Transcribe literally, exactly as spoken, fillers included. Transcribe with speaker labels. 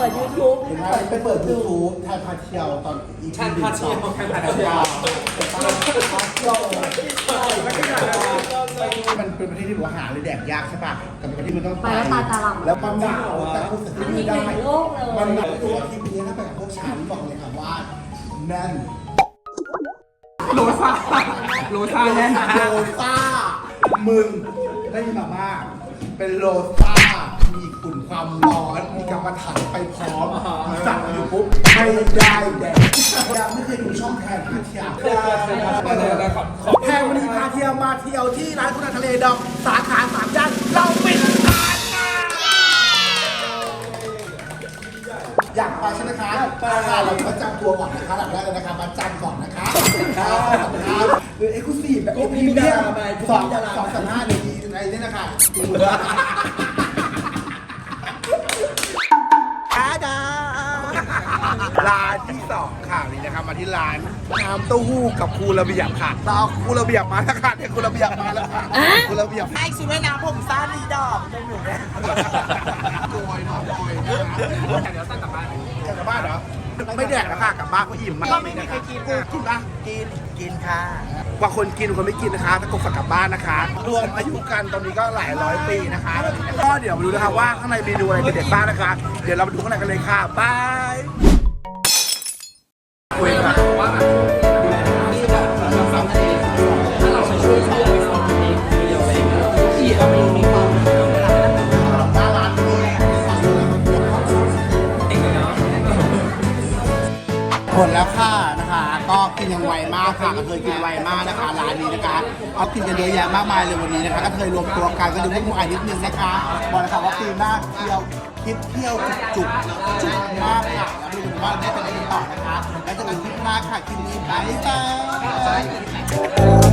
Speaker 1: ปิดยูทูบ
Speaker 2: เปิดไปเปิดยูทูบทานพาเที่ยวตอนอีพีหนึ่งสองทานพาเที่ยวพาเที่ยวมันเป็นประเทศที่บอกหาเลยแดกยากใช่ป่ะแต่เป็นประเทศที่มันต้องไปแล้วมันหนาวแต่พูดสักทีไม่ได้มันหนาวตัวทีนี้ถ้าไปกับพวกฉันบอกเลยค่ะว่าแน่น
Speaker 3: โลซ่าโลซ่าแน่นนะ
Speaker 2: โลซ่ามึงได้ยินมาม่าเป็นโลซ่ามีขุ่นความร้อนมีกรรมฐานไปพร้อมสั่งอยู่ปุ๊บไม่ได้แดกยังไม่เคยดูช่องแทนพาเที่ยวแพงวันนี้พาเที่ยวมาเที่ยวที่ร้านคุณทะเลดองสาขาสามย่านเราปิดร้านอยากไปใช่ไหมคะไปค่ะเราจะจำตัวก่อนนะคะหลังแรกเลยนะคะมาจันก่อนนะคะหรือเอ็กซ์คลูซีฟแบบพรีเมียมสองสองสามห้าในนี้ในนี้นะคะอาดาร้านที่สองค่ะนี่นะครับมาที่ร้านน้ำเต้าหู้กับครูระเบียบค่ะเราครูระเบียบมาแล้วค่ะเนี่ยครูระเบียบมาแล้วค่ะครูระเบียบไอ้ชุดว่ายน้ำผมซ่าดีดอกจมูกเนี่ยโกยน้องโกยนะเดี๋ยวตั้งกลับบ้านกลับบ้านเหรอไม่แดกแล้วค่ะกลับบ้านก็อิ่มมากก็ไม่มีใครกินกูกินปะกินกินค่ะบางคนกินบางคนไม่กินนะคะถ้ากูฝากกลับบ้านนะคะรวมอายุกันตอนนี้ก็หลายร้อยปีนะคะก็เดี๋ยวมาดูนะคะว่าข้างในเมนูอะไรเด็ดบ้างนะคะเดี๋ยวเราไปดูข้างในกันเลยค่ะบายคุยกันว่านี่แบบสามสิบถ้าเราช่วยช่วยสองทีเดียวอะไรอย่างเงี้ยที่เอาไปมีความหน้าร้านหมดแล้วค่ะนะคะก็กินยังไวมากค่ะก็เคยกินไวมากนะคะร้านนี้นะคะเอากินกันเยอะแยะมากมายเลยวันนี้นะคะก็เคยรวมตัวกันก็ดูพวกมึงอ่านนิดนึงนะคะบอกเลยค่ะว่าปีหน้าเที่ยวคิดเที่ยวจุกๆจุกมากค่ะแล้วดูว่าได้เป็นอะไรต่อนะคะแล้วจะเป็นคลิปหน้าค่ะคลิปนี้บายบาย